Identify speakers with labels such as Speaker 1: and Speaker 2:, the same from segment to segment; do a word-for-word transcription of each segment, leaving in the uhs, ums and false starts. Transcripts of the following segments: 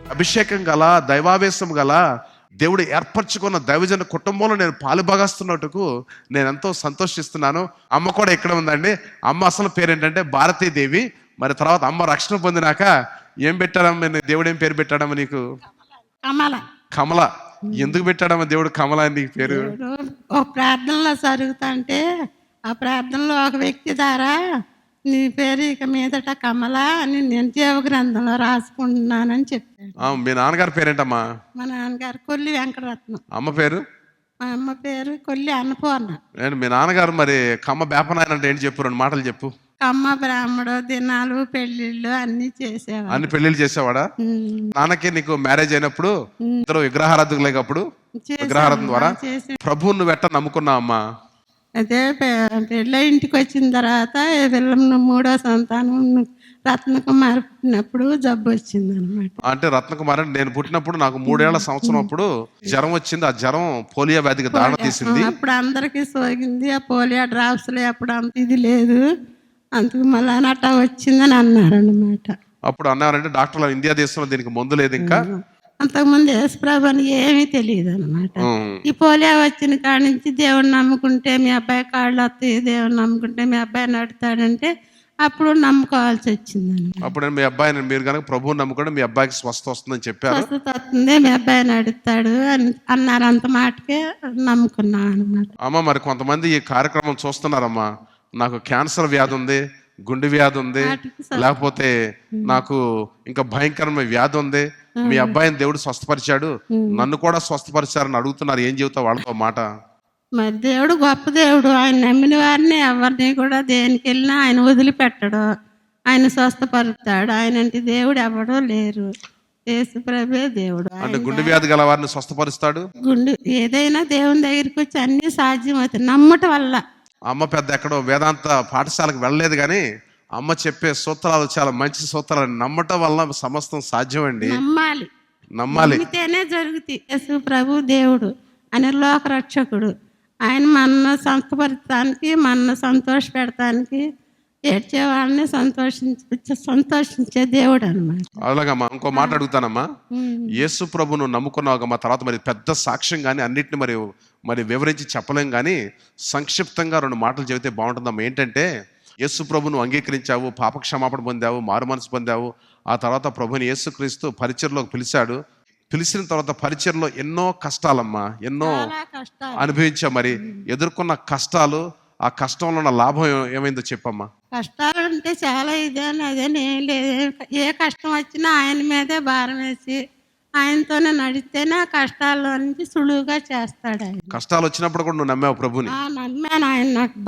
Speaker 1: అభిషేకం గల, దైవావేశం గల, దేవుడు ఏర్పరచుకున్న దైవజన కుటుంబంలో నేను పాలుభాగస్తున్నట్టుకు నేను ఎంతో సంతోషిస్తున్నాను. అమ్మ కూడా ఇక్కడ ఉందండి. అమ్మ అసలు పేరు ఏంటంటే భారతీదేవి. మరి తర్వాత అమ్మ రక్షణ పొందినాక ఏం పెట్టాడమ్మ, దేవుడు ఏం పేరు పెట్టాడమ్మ నీకు?
Speaker 2: కమల.
Speaker 1: కమల. ఎందుకు పెట్టాడమ్మ దేవుడు కమల అని నీకు పేరు?
Speaker 2: ఒక ప్రార్థనలో జరుగుతుంటే ఆ ప్రార్థనలో ఒక వ్యక్తి ద్వారా నీ పేరు ఇక మీదట కమల అని నేను జీవ గ్రంథంలో రాసుకుంటున్నానని చెప్పాడు.
Speaker 1: మీ నాన్నగారి పేరేంటమ్మా?
Speaker 2: మా నాన్నగారు కొల్లి వెంకటరత్నం.
Speaker 1: అమ్మ పేరు?
Speaker 2: మా అమ్మ పేరు కొల్లి అన్నపూర్ణ.
Speaker 1: మీ నాన్నగారు మరి కమ్మ బేపనాయన అంటే ఏంటి చెప్పు, రెండు మాటలు చెప్పు.
Speaker 2: కమ్మ బ్రాహ్మడు దినాలు పెళ్లిళ్ళు అన్ని చేసేవాడు.
Speaker 1: అన్ని పెళ్లిళ్ళు చేసేవాడా? నాన్నకి నీకు మ్యారేజ్ అయినప్పుడు ఇద్దరు విగ్రహారాధకులు లేకప్పుడు విగ్రహారాధన ద్వారా ప్రభువు నువ్వు ఎట్ట నమ్ముకున్నావు అమ్మా?
Speaker 2: అదే పెళ్ళ ఇంటికి వచ్చిన తర్వాత పిల్లలు మూడో సంతానం రత్నకుమార్ పుట్టినప్పుడు జబ్బు వచ్చింది అనమాట.
Speaker 1: అంటే రత్నకుమార్ అంటే నేను పుట్టినప్పుడు నాకు మూడేళ్ల సంవత్సరం అప్పుడు జ్వరం వచ్చింది. ఆ జ్వరం పోలియో వ్యాధికి దాణ తీసింది.
Speaker 2: అప్పుడు అందరికి సోకింది. ఆ పోలియో డ్రాప్స్ లే అప్పుడు అంత ఇది లేదు, అందుకు మళ్ళా అట్టా వచ్చిందని అన్నారు అనమాట.
Speaker 1: అప్పుడు అన్నారంటే డాక్టర్లు ఇండియా దేశంలో దీనికి మందు లేదు ఇంకా.
Speaker 2: అంతకుముందు యేసుప్రభు అని ఏమీ తెలియదు అనమాట. ఈ పోలియో వచ్చిన కాడి నుంచి దేవుని నమ్ముకుంటే మీ అబ్బాయి కాళ్ళు వస్తాయి, దేవుని నమ్ముకుంటే మీ అబ్బాయి నడుతాడంటే అప్పుడు నమ్ముకోవాల్సి వచ్చింది అనమాట.
Speaker 1: అప్పుడు మీ అబ్బాయిని మీరు కనుక ప్రభువుని నమ్ముకుంటే మీ అబ్బాయికి స్వస్థ వస్తుందని చెప్పారు.
Speaker 2: స్వస్థత వస్తుంది, మీ అబ్బాయి నడుతాడు అని అన్నారు. అంత మాటకే నమ్ముకున్నాం అనమాట.
Speaker 1: అమ్మ మరి కొంతమంది ఈ కార్యక్రమం చూస్తున్నారమ్మా, నాకు క్యాన్సర్ వ్యాధి ఉంది, గుండె వ్యాధి ఉంది, లేకపోతే నాకు ఇంకా భయంకరమైన వ్యాధి ఉంది, మీ అబ్బాయిని దేవుడు స్వస్థపరిచాడు, నన్ను కూడా స్వస్థపరిచారని అడుగుతున్నారు. ఏం చెబుతావు వాళ్ళతో మాట?
Speaker 2: మరి దేవుడు గొప్ప దేవుడు. ఆయన నమ్మిన వారిని ఎవరిని కూడా దేనికి వెళ్ళినా ఆయన వదిలిపెట్టడు, ఆయన స్వస్థపరుస్తాడు. ఆయన అంటే దేవుడు ఎవడో లేరు, యేసుప్రభువే దేవుడు.
Speaker 1: అంటే గుండె వ్యాధి గల వారిని స్వస్థపరుస్తాడు.
Speaker 2: గుండె ఏదైనా దేవుని దగ్గరికి వచ్చి అన్ని సాధ్యం అవుతాయి నమ్మటం వల్ల.
Speaker 1: అమ్మ పెద్ద ఎక్కడో వేదాంత పాఠశాలకు వెళ్ళలేదు కానీ అమ్మ చెప్పే సూత్రాలు చాలా మంచి సూత్రాలు. నమ్మటం వల్ల సమస్తం సాధ్యం అండి.
Speaker 2: నమ్మాలి,
Speaker 1: నమ్మాలి,
Speaker 2: నమ్మితేనే జరుగుతాయి. యేసు ప్రభు దేవుడు, ఆయన లోక రక్షకుడు. ఆయన మన సంతపరచడానికి, మన సంతోష పెడతానికి, ఏడ్చే వాళ్ళని సంతోషించ సంతోషించే దేవుడు అనమాట.
Speaker 1: అలాగమ్మా. ఇంకో మాట అడుగుతానమ్మా, యేసు ప్రభును నమ్ముకున్నావుగమ్మా, తర్వాత మరి పెద్ద సాక్ష్యం కానీ అన్నిటిని మరి మరి వివరించి చెప్పలేం కానీ సంక్షిప్తంగా రెండు మాటలు చెబితే బాగుంటుందమ్మా. ఏంటంటే యేసు ప్రభును అంగీకరించావు, పాపక్షమాపణ పొందావు, మారు మనసు పొందావు. ఆ తర్వాత ప్రభుని యేసుక్రీస్తు పరిచర్లోకి పిలిచాడు. పిలిచిన తర్వాత పరిచర్లో ఎన్నో కష్టాలమ్మా, ఎన్నో అనుభవించావు. మరి ఎదుర్కొన్న కష్టాలు, ఆ కష్టంలో ఉన్న లాభం ఏమైందో చెప్పమ్మా.
Speaker 2: కష్టాలు అంటే చాలా ఇదే అదేనే ఏం లేదు. ఏ కష్టం వచ్చినా ఆయన మీదే భారం వేసి ఆయనతోనే నడిస్తేనే ఆ కష్టాల్లో నుంచి సులువుగా చేస్తాడు ఆయన.
Speaker 1: కష్టాలు వచ్చినప్పుడు కూడా నువ్వు నమ్మావు ప్రభుని?
Speaker 2: నమ్మాను. ఆయన నాకు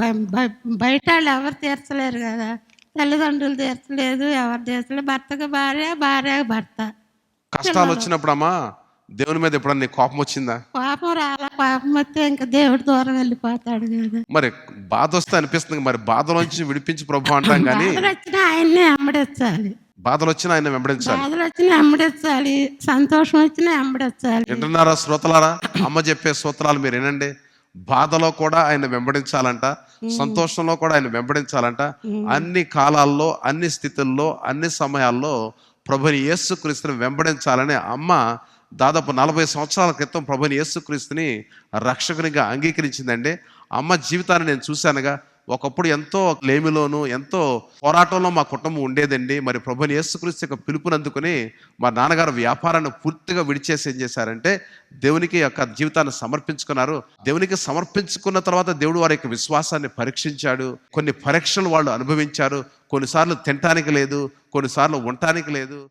Speaker 2: బయట వాళ్ళు ఎవరు తీర్చలేరు కదా, తల్లిదండ్రులు తీర్చలేదు, ఎవరు తీర్చలేదు, భర్తకు భార్య, భార్య భర్త.
Speaker 1: కష్టాలు వచ్చినప్పుడు అమ్మా దేవుని మీద ఎప్పుడన్నా నీకు కోపం వచ్చిందా?
Speaker 2: కోపం రాలా. కోపం వస్తే ఇంకా దేవుడి దూరం వెళ్ళిపోతాడు కదా.
Speaker 1: మరి బాధ వస్తే అనిపిస్తుంది, మరి బాధలోంచి విడిపించి ప్రభు అంటాం కానీ
Speaker 2: వచ్చినా ఆయన్నే వెంబడించాలి.
Speaker 1: బాధలు వచ్చినా ఆయన వెంబడించాలి.
Speaker 2: బాధలు వచ్చినా వెంబడించాలి, సంతోషం వచ్చినా వెంబడించాలి.
Speaker 1: వింటున్నారా శ్రోతలారా? అమ్మ చెప్పే సూత్రాలు మీరు వినండి. బాధలో కూడా ఆయన వెంబడించాలంట, సంతోషంలో కూడా ఆయన వెంబడించాలంట. అన్ని కాలాల్లో, అన్ని స్థితుల్లో, అన్ని సమయాల్లో ప్రభుని యేసుక్రీస్తుని వెంబడించాలని అమ్మ దాదాపు నలభై సంవత్సరాల క్రితం ప్రభుని యేసుక్రీస్తుని రక్షకునిగా అంగీకరించిందండి. అమ్మ జీవితాన్ని నేను చూశానుగా. ఒకప్పుడు ఎంతో లేమిలోను, ఎంతో పోరాటంలో మా కుటుంబం ఉండేదండి. మరి ప్రభుని యేసుక్రీస్తు యొక్క పిలుపునందుకుని మా నాన్నగారు వ్యాపారాన్ని పూర్తిగా విడిచేసి ఏం చేశారంటే దేవునికి యొక్క జీవితాన్ని సమర్పించుకున్నారు. దేవునికి సమర్పించుకున్న తర్వాత దేవుడు వారి యొక్క విశ్వాసాన్ని పరీక్షించాడు. కొన్ని పరీక్షలు వాళ్ళు అనుభవించారు. కొన్నిసార్లు తినటానికి లేదు, కొన్నిసార్లు ఉండటానికి లేదు.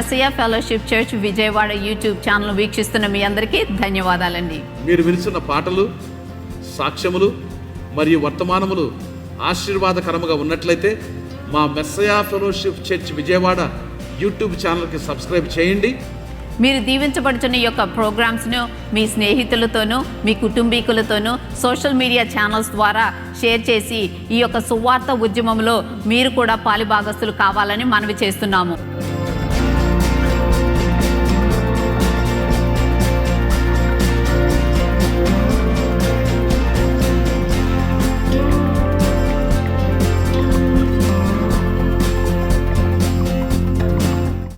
Speaker 3: Messiah fellowship church Vijayawada YouTube channel వీక్షిస్తున్న మీ అందరికీ ధన్యవాదాలండి.
Speaker 4: మీరు వినిస్తున్న పాటలు, సాక్ష్యములు మరియు వర్తమానములు ఆశీర్వాదకరముగా ఉన్నట్లయితే మా Messiah fellowship church Vijayawada YouTube ఛానల్కి సబ్స్క్రైబ్ చేయండి.
Speaker 3: మీరు దీవించబడుతున్న ఈ యొక్క ప్రోగ్రామ్స్ను మీ స్నేహితులతోనూ మీ కుటుంబీకులతోనూ సోషల్ మీడియా ఛానల్స్ ద్వారా షేర్ చేసి ఈ యొక్క సువార్త ఉద్యమంలో మీరు కూడా పాలిభాగస్తులు కావాలని మనవి చేస్తున్నాము.